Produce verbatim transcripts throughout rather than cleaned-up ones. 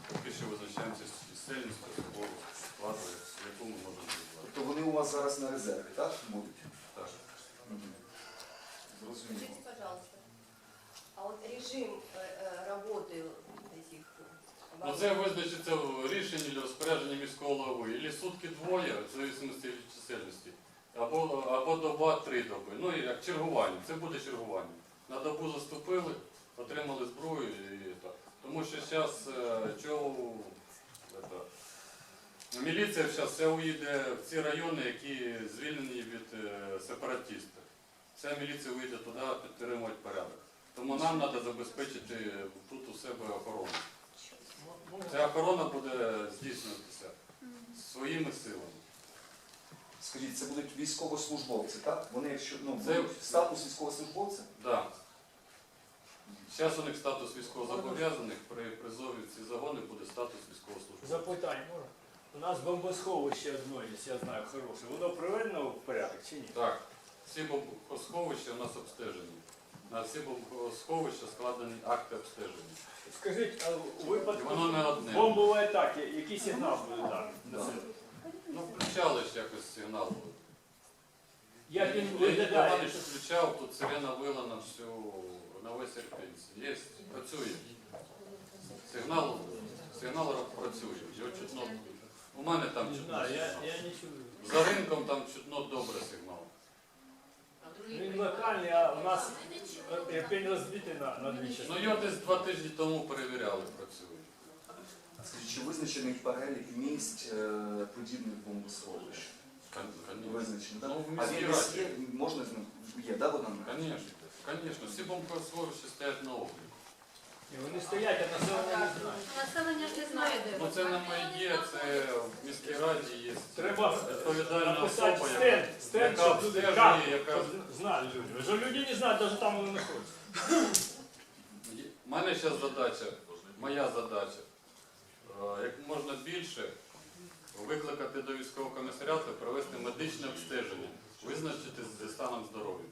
поки що визначаємося з чисельністю особового складу, яку ми можемо зробити. Тобто вони у вас зараз на резерві, так? Будуть? Так. Угу. Зрозуміло. Скажите, пожалуйста, а вот режим э, э, работы этих Ну, це визначиться в рішенні для розпорядження міського голови. Або сутки двоє, в залежності від чисельності, або, або доба три доби. Ну, і як чергування, це буде чергування. На добу заступили, отримали зброю і так. Тому що зараз чого міліція зараз вся уїде в ці райони, які звільнені від е, сепаратистів. Вся міліція уїде туди підтримувати порядок. Тому нам треба забезпечити тут у себе охорону. Ця охорона буде здійснюватися своїми силами. Скажіть, це будуть військовослужбовці, так? Вони, якщо, ну, Це- будуть статус військовослужбовця? Так. Зараз у них статус військовозобов'язаних, при призові в ці загони буде статус військовослужбовця. Запитання можна? У нас бомбосховище одно, якщо я знаю, хороше. Воно приведено в порядок чи ні? Так, всі бомбосховища у нас обстежені. На всі бомбосховища складені акти обстеження. Скажіть, а у І випадку воно не одне. бомбової атаки, який сигнал буде даний? Да. Ну, включали ж якось сигнал. Як він Я виглядає? не включав, тут сирена вила на всю, на весь Ірпінь. Є, працює. Сигнал, сигнал працює. Його чутно. У мене там Не чутно. знаю, я, сигнал. я не чую. За ринком там чутно добре сигнал. Він локальний, а у нас Ірпінь розбитий на, на дві Ну частини. його десь два тижні тому перевіряли, працює. Скажіть, чи визначений перелік місць е, подібних бомбосховищ? Визначений, так? Ну, в А міській він десь раді. є, можна з ним? Є, так, вона? Конечно, конечно. Всі бомбосховища стоять на обліку. І вони стоять, а населення не знає. Населення ж не знає, де Ну це не моє, це в міській раді є Треба відповідальна написати особа, стенд, яка, стенд, яка щоб люди обстежує, карту, яка... щоб знали люди. Що люди не знають, навіть там вони знаходяться. У мене зараз задача, моя задача, е, як можна більше викликати до військового комісаріату, провести медичне обстеження, визначити зі станом здоров'я.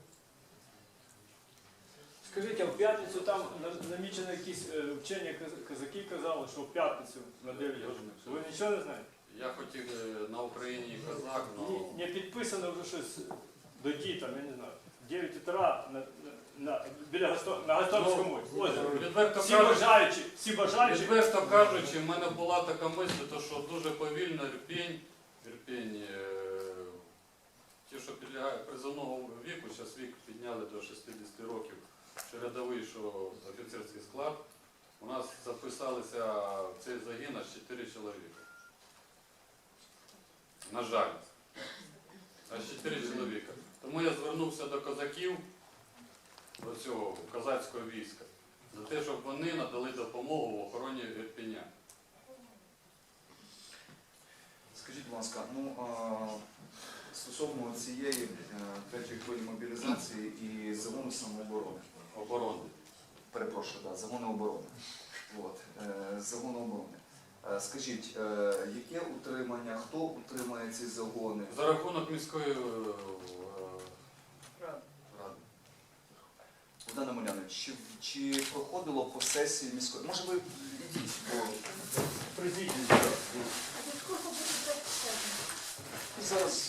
Скажіть, а в п'ятницю там на- намічено якісь е, вчені каз- казаки казали, що в п'ятницю на дев'ять годин. Ви нічого не знаєте? Я хотів е, на Україні казак, але Ні, не підписано вже щось до ті, там, я не знаю, дев'ять утра на, на, на, біля Гасто- на Гасторському озері. відверто Всі кажучи, бажаючі, всі бажаючі. відверто кажучи, в мене була така мисль, то що дуже повільно Ірпінь, Ірпінь, е, ті, що підлягають призовного віку, зараз вік підняли до шістдесят років, що рядовий, що офіцерський склад, у нас записалися в цей загін аж чотири чоловіка. На жаль, аж чотири чоловіка. Тому я звернувся до козаків, до цього козацького війська, за те, щоб вони надали допомогу в охороні Ірпеня. Скажіть, будь ласка, ну, а, стосовно цієї е, третьої хвилі мобілізації і загону самооборони. Оборони. Перепрошую, да, загону оборони. От, е, загону оборони. Е, Скажіть, е, яке утримання, хто утримає ці загони? За рахунок міської е, ради. Богдане Омелянович, чи, чи проходило по сесії міської? Може ви йдіть, бо Президент. зараз.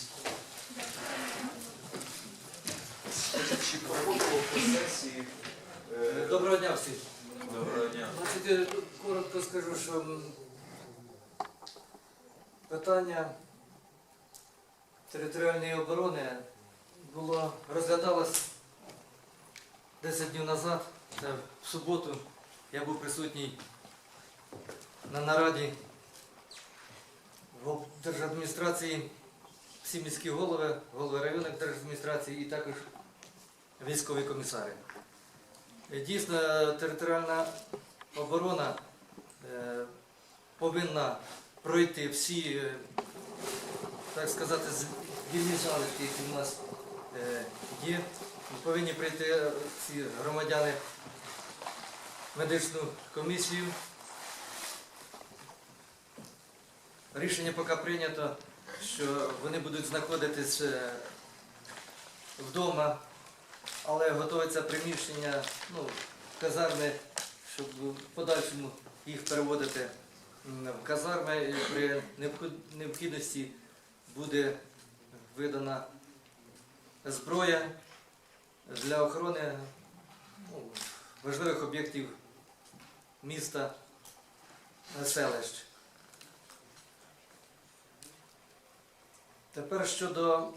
Скажіть, чи проходило по сесії? е, Доброго дня всім. Доброго дня. Значить, я коротко скажу, що м, питання територіальної оборони було розглядалось десять днів назад. Це в суботу я був присутній на нараді в держадміністрації, всі міські голови, голови районних держадміністрації і також військові комісари. Дійсно, територіальна оборона е, повинна пройти всі, е, так сказати, вільні залишки, які в нас е, є. Повинні прийти всі громадяни в медичну комісію. Рішення поки прийнято, що вони будуть знаходитись е, вдома, але готується приміщення, ну, казарми, щоб в подальшому їх переводити М, В казарми при необход- необхідності буде видана зброя для охорони ну, важливих об'єктів міста, селищ. Тепер щодо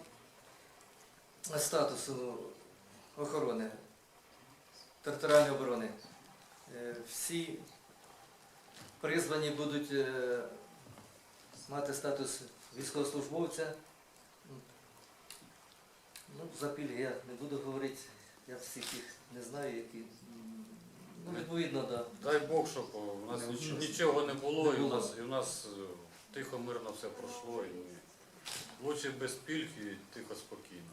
статусу охорони, територіальної оборони. Е, Всі призвані будуть е, мати статус військовослужбовця. Ну, за пільги я не буду говорити, я всіх їх не знаю, які. м, Ну, відповідно, да. Дай Бог, щоб у нас Не ніч- було. нічого не було, Не і у було. нас, і у нас е, тихо, мирно все пройшло. І лучше без пільг і тихо, спокійно.